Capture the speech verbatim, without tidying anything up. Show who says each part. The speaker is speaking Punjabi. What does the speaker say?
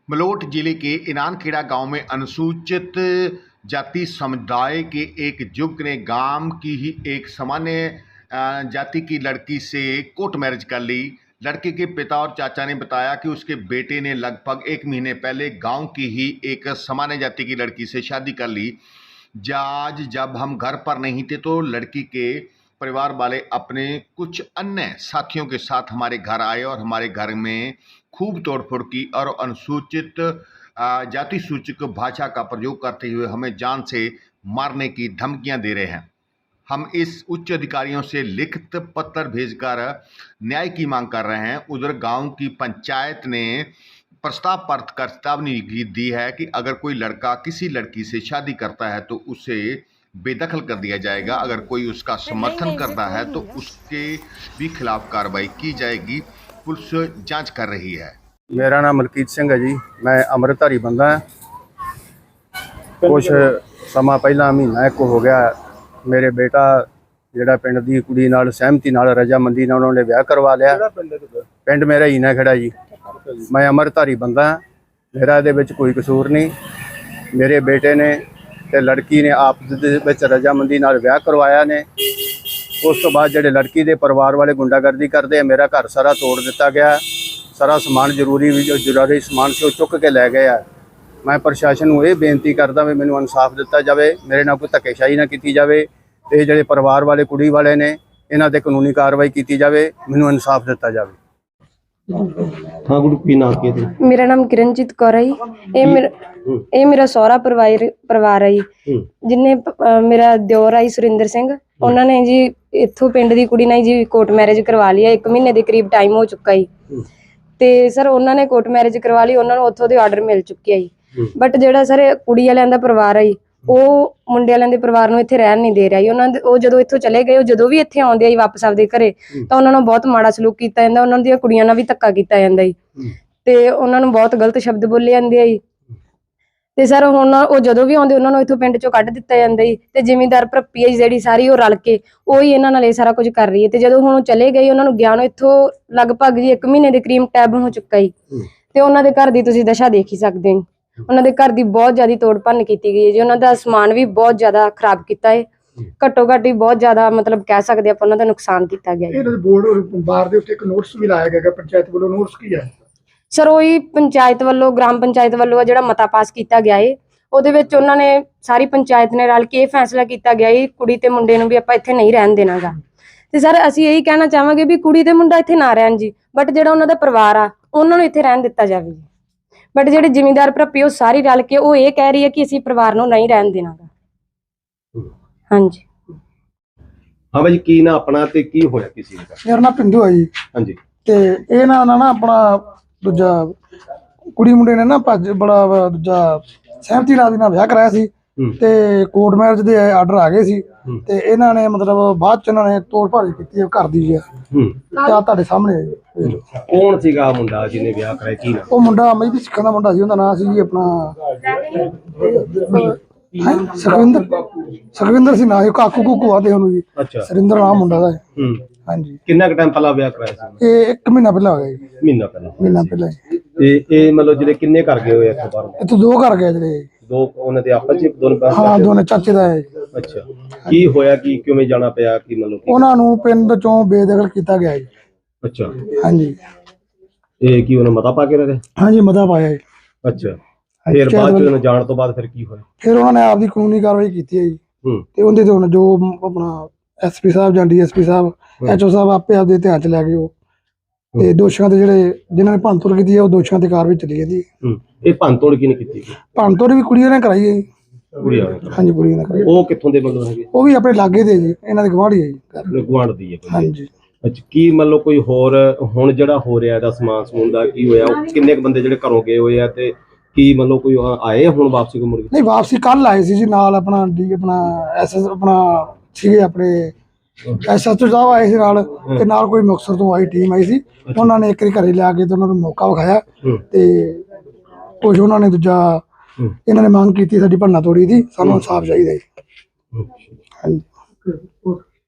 Speaker 1: मलोट जिले के इनानखेड़ा गांव में अनुसूचित जाति समुदाय के एक युवक ने गांव की ही एक सामान्य जाति की लड़की से कोर्ट मैरिज कर ली। लड़के के पिता और चाचा ने बताया कि उसके बेटे ने लगभग एक महीने पहले गांव की ही एक सामान्य जाति की लड़की से शादी कर ली। आज जब हम घर पर नहीं थे तो लड़की के परिवार वाले अपने कुछ अन्य साथियों के साथ हमारे घर आए और हमारे घर में खूब तोड़फोड़ की और अनुसूचित जाति सूचक भाषा का प्रयोग करते हुए हमें जान से मारने की धमकियां दे रहे हैं। हम इस उच्च अधिकारियों से लिखित पत्र भेजकर न्याय की मांग कर रहे हैं। उधर गांव की पंचायत ने प्रस्ताव पर चेतावनी दी है कि अगर कोई लड़का किसी लड़की से शादी करता है तो उसे बेदखल कर दिया जाएगा। अगर कोई उसका समर्थन करता है तो उसके भी खिलाफ कार्रवाई की जाएगी। पुलिस जांच कर रही है।
Speaker 2: मेरा नाम मलकीत सिंह है जी। मैं अमृतधारी बंदा है। कुछ समा पहला महीना एक हो गया मेरे बेटा ਜਿਹੜਾ ਪਿੰਡ ਦੀ ਕੁੜੀ ਨਾਲ ਸਹਿਮਤੀ ਨਾਲ ਰਜਾਮੰਦੀ ਨਾਲ ਉਹਨਾਂ ਨੇ ਵਿਆਹ ਕਰਵਾ ਲਿਆ। ਪਿੰਡ ਮੇਰਾ ਇਨਾਨਖੇੜਾ ਜੀ। ਮੈਂ ਅਮਰਧਾਰੀ ਬੰਦਾ ਹਾਂ। ਮੇਰਾ ਇਹਦੇ ਵਿੱਚ ਕੋਈ ਕਸੂਰ ਨਹੀਂ। ਮੇਰੇ ਬੇਟੇ ਨੇ ਤੇ ਲੜਕੀ ਨੇ ਆਪਸ ਦੇ ਵਿੱਚ ਰਜਾਮੰਦੀ ਨਾਲ ਵਿਆਹ ਕਰਵਾਇਆ ਨੇ। ਉਸ ਤੋਂ ਬਾਅਦ ਜਿਹੜੇ ਲੜਕੀ ਦੇ ਪਰਿਵਾਰ ਵਾਲੇ ਗੁੰਡਾਗਰਦੀ ਕਰਦੇ ਆ, ਮੇਰਾ ਘਰ ਸਾਰਾ ਤੋੜ ਦਿੱਤਾ ਗਿਆ। ਸਾਰਾ ਸਮਾਨ ਜ਼ਰੂਰੀ ਵੀ ਜੋ ਜ਼ਰੂਰੀ ਸਮਾਨ ਸੀ ਉਹ ਚੁੱਕ ਕੇ ਲੈ ਗਏ ਆ। ਮੈਂ ਪ੍ਰਸ਼ਾਸਨ ਨੂੰ ਇਹ ਬੇਨਤੀ ਕਰਦਾ ਵੀ ਮੈਨੂੰ ਇਨਸਾਫ ਦਿੱਤਾ ਜਾਵੇ, ਮੇਰੇ ਨਾਲ ਕੋਈ ਧੱਕੇਸ਼ਾਹੀ ਨਾ ਕੀਤੀ ਜਾਵੇ ਤੇ ਜਿਹੜੇ ਪਰਿਵਾਰ ਵਾਲੇ ਕੁੜੀ ਵਾਲੇ ਨੇ ਇਹਨਾਂ ਤੇ ਕਾਨੂੰਨੀ ਕਾਰਵਾਈ ਕੀਤੀ ਜਾਵੇ, ਮੈਨੂੰ ਇਨਸਾਫ ਦਿੱਤਾ ਜਾਵੇ।
Speaker 3: हाँ गुरु की नाम के थे?
Speaker 4: मेरा नाम किरणजीत कौर है जी। ये मेरा ये मेरा सौरा परिवार परिवार है जी। जिन्हें मेरा दिओर आई सुरिंदर सिंह, उन्होंने जी इत्थों पिंड दी कुड़ी ने जी कोर्ट मैरिज करवा लिया। एक महीने के करीब टाइम हो चुका जी। ते सर उन्होंने कोर्ट मैरिज करवा ली, उन्होंने उत्थों दे आर्डर मिल चुके जी। बट जिहड़ा सर कुड़ी वालियां दा परिवार है ਉਹ ਮੁੰਡੇ ਵਾਲਿਆਂ ਦੇ ਪਰਿਵਾਰ ਨੂੰ ਇੱਥੇ ਰਹਿਣ ਨਹੀਂ ਦੇ ਰਿਹਾ ਜੀ। ਉਹਨਾਂ ਦੇ ਉਹ ਜਦੋਂ ਇੱਥੋਂ ਚਲੇ ਗਏ, ਉਹ ਜਦੋਂ ਵੀ ਇੱਥੇ ਆਉਂਦੇ ਆ ਜੀ ਵਾਪਸ ਆਪਦੇ ਘਰੇ, ਤਾਂ ਉਹਨਾਂ ਨੂੰ ਬਹੁਤ ਮਾੜਾ ਸਲੂਕ ਕੀਤਾ ਜਾਂਦਾ। ਉਹਨਾਂ ਦੀਆਂ ਕੁੜੀਆਂ ਨਾਲ ਵੀ ਧੱਕਾ ਕੀਤਾ ਜਾਂਦਾ ਜੀ ਤੇ ਉਹਨਾਂ ਨੂੰ ਬਹੁਤ ਗਲਤ ਸ਼ਬਦ ਬੋਲੇ ਜਾਂਦੇ ਆ ਜੀ। ਤੇ ਸਰ ਹੁਣ ਉਹ ਜਦੋਂ ਵੀ ਆਉਂਦੇ ਉਹਨਾਂ ਨੂੰ ਇੱਥੋਂ ਪਿੰਡ ਚੋਂ ਕੱਢ ਦਿੱਤਾ ਜਾਂਦਾ ਜੀ। ਤੇ ਜ਼ਿਮੀਂਦਾਰ ਭਰਪੀ ਹੈ ਜਿਹੜੀ ਸਾਰੀ ਉਹ ਰਲ ਕੇ ਉਹੀ ਇਹਨਾਂ ਨਾਲ ਇਹ ਸਾਰਾ ਕੁਝ ਕਰ ਰਹੀ ਹੈ। ਤੇ ਜਦੋਂ ਹੁਣ ਉਹ ਚਲੇ ਗਏ, ਉਹਨਾਂ ਨੂੰ ਗਿਆ ਨੂੰ ਇੱਥੋਂ ਲਗਭਗ ਜੀ ਇੱਕ ਮਹੀਨੇ ਦੇ ਕਰੀਬ ਟੈਬ ਹੋ ਚੁੱਕਾ ਜੀ। ਤੇ ਉਹਨਾਂ ਦੇ ਘਰ ਦੀ ਤੁਸੀਂ ਦਸ਼ਾ ਦੇਖ ਹੀ ਸਕਦੇ ਹੋ। ਉਹਨਾਂ ਦੇ ਘਰ ਦੀ ਬਹੁਤ ਜ਼ਿਆਦਾ ਤੋੜ ਭੰਨ ਕੀਤੀ ਗਈ ਹੈ ਜੀ। ਉਹਨਾਂ ਦਾ ਸਮਾਨ ਵੀ ਬਹੁਤ ਜ਼ਿਆਦਾ ਖਰਾਬ ਕੀਤਾ ਹੈ। ਘੱਟੋ ਘੱਟ ਹੀ ਬਹੁਤ ਜ਼ਿਆਦਾ ਮਤਲਬ ਕਹਿ ਸਕਦੇ ਆਪਾਂ ਉਹਨਾਂ ਦਾ ਨੁਕਸਾਨ ਕੀਤਾ ਗਿਆ ਹੈ।
Speaker 5: ਇਹ ਬੋਰਡ ਬਾਰ ਦੇ ਉੱਤੇ ਇੱਕ ਨੋਟਿਸ ਵੀ ਲਾਇਆ ਗਿਆ ਪੰਚਾਇਤ ਵੱਲੋਂ। ਨੋਟਿਸ ਕੀ ਹੈ
Speaker 4: ਸਰ? ਉਹੀ ਪੰਚਾਇਤ ਵੱਲੋਂ, ਗ੍ਰਾਮ ਪੰਚਾਇਤ ਵੱਲੋਂ ਜਿਹੜਾ ਮਤਾ ਪਾਸ ਕੀਤਾ ਗਿਆ ਹੈ, ਉਹਦੇ ਵਿੱਚ ਉਹਨਾਂ ਨੇ ਸਾਰੀ ਪੰਚਾਇਤ ਨੇ ਰਲ ਕੇ ਇਹ ਫੈਸਲਾ ਕੀਤਾ ਗਿਆ ਹੈ ਕੁੜੀ ਤੇ ਮੁੰਡੇ ਨੂੰ ਵੀ ਆਪਾਂ ਇੱਥੇ ਨਹੀਂ ਰਹਿਣ ਦੇਣਾਗਾ। ਤੇ ਸਰ ਅਸੀਂ ਇਹੀ ਕਹਿਣਾ ਚਾਹਾਂਗੇ ਵੀ ਕੁੜੀ ਤੇ ਮੁੰਡਾ ਇੱਥੇ ਨਾ ਰਹਿਣ ਜੀ, ਬਟ ਜਿਹੜਾ ਉਹਨਾਂ ਦਾ ਪਰਿਵਾਰ ਆ ਉਹਨਾਂ ਨੂੰ ਇੱਥੇ ਰਹਿਣ ਦਿੱਤਾ ਜਾਵੇ ਜੀ। बट ਜਿਹੜੇ ਜ਼ਿਮੀਂਦਾਰ ਭਰਪੀ ਉਹ ਸਾਰੀ ਰਲ ਕੇ ਉਹ ਇਹ ਕਹਿ ਰਹੀ ਹੈ ਕਿ ਅਸੀਂ ਪਰਿਵਾਰ ਨੂੰ ਨਹੀਂ ਰਹਿਣ ਦੇਣਾਗਾ। ਹਾਂਜੀ
Speaker 3: ਹਾਂ ਬਾਈ, ਕੀ ਨਾ ਆਪਣਾ ਤੇ ਕੀ ਹੋਇਆ ਕਿਸੇ ਦਾ?
Speaker 5: ਮੇਰਾ ਨਾਮ ਪਿੰਦੂ ਹੈ ਜੀ।
Speaker 3: ਹਾਂਜੀ।
Speaker 5: ਤੇ ਇਹ ਨਾ ਨਾ ਆਪਣਾ ਦੂਜਾ ਕੁੜੀ ਮੁੰਡੇ ਨੇ ਨਾ ਭੱਜ ਬੜਾ ਦੂਜਾ ਸਹਿਮਤੀ ਨਾਲ ਦੀ ਨਾਲ ਵਿਆਹ ਕਰਾਇਆ ਸੀ ਤੇ ਕੋਰਟ ਮੈਰਿਜ ਦੇ ਆਰਡਰ ਆ ਗਏ ਸੀ। ਤੇ ਇਹਨਾਂ ਨੇ ਮਤਲਬ ਬਾਅਦ ਚ ਇਹਨਾਂ ਨੇ ਤੋੜ ਭੱਜ ਕੀਤੀ ਘਰ ਦੀ ਜੀ। ਤੇ ਆ ਤੁਹਾਡੇ ਸਾਹਮਣੇ ਹੈ ਜੀ।
Speaker 3: ਕੌਣ ਸੀਗਾ ਮੁੰਡਾ ਜਿਹਨੇ ਵਿਆਹ ਕਰਾਇਆ? ਕੀ ਨਾਮ?
Speaker 5: ਉਹ ਮੁੰਡਾ ਮਹਿਬੀ ਸਿੱਖਾਂ ਦਾ ਮੁੰਡਾ ਸੀ। ਉਹਦਾ ਨਾਂ ਸੀ ਜੀ ਆਪਣਾ ਸੁਖਵਿੰਦਰ ਸੁਖਵਿੰਦਰ ਸੀ ਨਾਂ ਸੀ। ਕਾਕੂ ਕੂਕੂ ਆਦੇ ਉਹਨੂੰ ਜੀ।
Speaker 3: ਅੱਛਾ।
Speaker 5: ਸੁਰਿੰਦਰ ਨਾਮ ਮੁੰਡਾ ਦਾ। ਹਾਂਜੀ।
Speaker 3: ਕਿੰਨਾ ਕੁ ਟਾਈਮ ਪਹਿਲਾਂ ਵਿਆਹ ਕਰਾਇਆ ਸੀ?
Speaker 5: ਇਹ ਇੱਕ ਮਹੀਨਾ ਪਹਿਲਾਂ ਹੋ ਗਿਆ ਜੀ।
Speaker 3: ਮਹੀਨਾ ਪਹਿਲਾਂ
Speaker 5: ਮਹੀਨਾ ਪਹਿਲਾਂ ਜੀ।
Speaker 3: ਤੇ ਇਹ ਮਤਲਬ ਜਿਹੜੇ ਕਿੰਨੇ ਕਰ ਗਏ ਹੋਏ ਇੱਥੋਂ ਬਾਹਰ?
Speaker 5: ਇੱਥੇ ਦੋ ਘਰ ਗਏ ਜਿਹੜੇ।
Speaker 3: ਦੋ ਉਹਨਾਂ ਦੇ ਆਪਸ ਵਿੱਚ ਦੋਨੋਂ ਪਾਸੇ?
Speaker 5: ਹਾਂ, ਦੋਨੇ ਚਾਚੇ ਦਾ ਹੈ।
Speaker 3: ਅੱਛਾ। ਕੀ ਹੋਇਆ, ਕੀ ਕਿਵੇਂ ਜਾਣਾ ਪਿਆ, ਕੀ ਮਤਲਬ?
Speaker 5: ਉਹਨਾਂ ਨੂੰ ਪਿੰਡ ਚੋਂ ਬੇਦਖਲ ਕੀਤਾ ਗਿਆ ਜੀ।
Speaker 3: ਅੱਛਾ।
Speaker 5: ਹਾਂਜੀ।
Speaker 3: ਇਹ ਕੀ ਉਹਨੇ ਮਤਾ ਪਾ ਕੇ ਰਹੇ?
Speaker 5: ਹਾਂਜੀ, ਮਤਾ ਪਾਇਆ ਜੀ।
Speaker 3: ਅੱਛਾ। ਫਿਰ ਬਾਅਦ ਚ ਉਹਨਾਂ ਜਾਣ ਤੋਂ ਬਾਅਦ ਫਿਰ ਕੀ ਹੋਇਆ? ਫਿਰ
Speaker 5: ਉਹਨਾਂ ਨੇ ਆਪਦੀ ਕਾਨੂੰਨੀ ਕਾਰਵਾਈ ਕੀਤੀ ਹੈ ਜੀ। ਤੇ ਉਹਦੇ ਤੇ ਹੁਣ ਜੋ ਆਪਣਾ ਐਸਪੀ ਸਾਹਿਬ ਜਾਂ ਡੀਐਸਪੀ ਸਾਹਿਬ, ਐਚਓ ਸਾਹਿਬ ਆਪੇ ਆਪਦੇ ਧਿਆਨ ਚ ਲੈ ਗਏ ਉਹ। ਤੇ ਦੋਸ਼ੀਆਂ ਦੇ ਜਿਹੜੇ ਜਿਨ੍ਹਾਂ ਨੇ ਭੰਨਤੋੜ ਕੀਤੀ ਹੈ ਉਹ ਦੋਸ਼ੀਆਂ ਤੇ ਕਾਰਵਾਈ ਚੱਲੀ ਜਾਂਦੀ ਹੈ।
Speaker 3: ਇਹ ਭੰਨਤੋੜ ਕਿਹਨੇ ਕੀਤੀ?
Speaker 5: ਭੰਨਤੋੜ ਵੀ ਕੁੜੀਆਂ ਨੇ ਕਰਾਈ ਹੈ ਜੀ।
Speaker 3: ਕੁੜੀਆਂ?
Speaker 5: ਹਾਂਜੀ, ਕੁੜੀਆਂ ਨੇ ਕਰਾਈ।
Speaker 3: ਉਹ ਕਿੱਥੋਂ ਦੇ ਮਤਲਬ ਹੈਗੇ?
Speaker 5: ਉਹ ਵੀ ਆਪਣੇ ਲਾਗੇ ਦੇ ਜੀ, ਇਹਨਾਂ ਦੇ ਗਵਾਂਢੀ ਹੈ ਜੀ।
Speaker 3: ਗੁਆਂਢ ਦੀ ਹੈ?
Speaker 5: ਹਾਂਜੀ।
Speaker 3: ਅੱਛਾ। ਕੀ ਮਤਲਬ ਕੋਈ ਹੋਰ ਹੁਣ ਜਿਹੜਾ ਹੋ ਰਿਹਾ ਇਹਦਾ ਸਮਾਨ ਸਮੂਨ ਦਾ ਕੀ ਹੋਇਆ? ਕਿੰਨੇ ਕੁ ਬੰਦੇ ਜਿਹੜੇ ਘਰੋਂ ਗਏ ਹੋਏ ਆ ਤੇ ਕੀ ਮਤਲਬ ਕੋਈ ਆਏ ਹੁਣ ਵਾਪਸੀ ਕੋ ਮੁੜ ਕੇ?
Speaker 5: ਨਹੀਂ, ਵਾਪਸੀ ਕੱਲ ਆਏ ਸੀ ਜੀ। ਨਾਲ ਆਪਣਾ ਡੀ ਆਪਣਾ ਐਸਐਸ ਆਪਣਾ ਸੀਗੇ ਆਪਣੇ ਐਸਐਸਓ ਸਾਹਿਬ ਆਏ ਸੀ ਨਾਲ, ਤੇ ਨਾਲ ਕੋਈ ਮੁਕਤਸਰ ਤੋਂ ਆਈ ਟੀਮ ਆਈ ਸੀ। ਉਹਨਾਂ ਨੇ ਇੱਕ ਵਾਰੀ ਘਰੇ ਲਿਆ ਕੇ ਤੇ ਉਹਨਾਂ ਨੂੰ ਮੌਕਾ ਵਿਖਾਇਆ ਤੇ ਕੁਝ ਉਹਨਾਂ ਨੇ ਦੂਜਾ ਇਹਨਾਂ ਨੇ ਮੰਗ ਕੀਤੀ ਸਾਡੀ ਭੰਨਾ ਤੋੜੀ ਦੀ, ਸਾਨੂੰ ਇਨਸਾਫ ਚਾਹੀਦਾ ਜੀ। ਹਾਂਜੀ।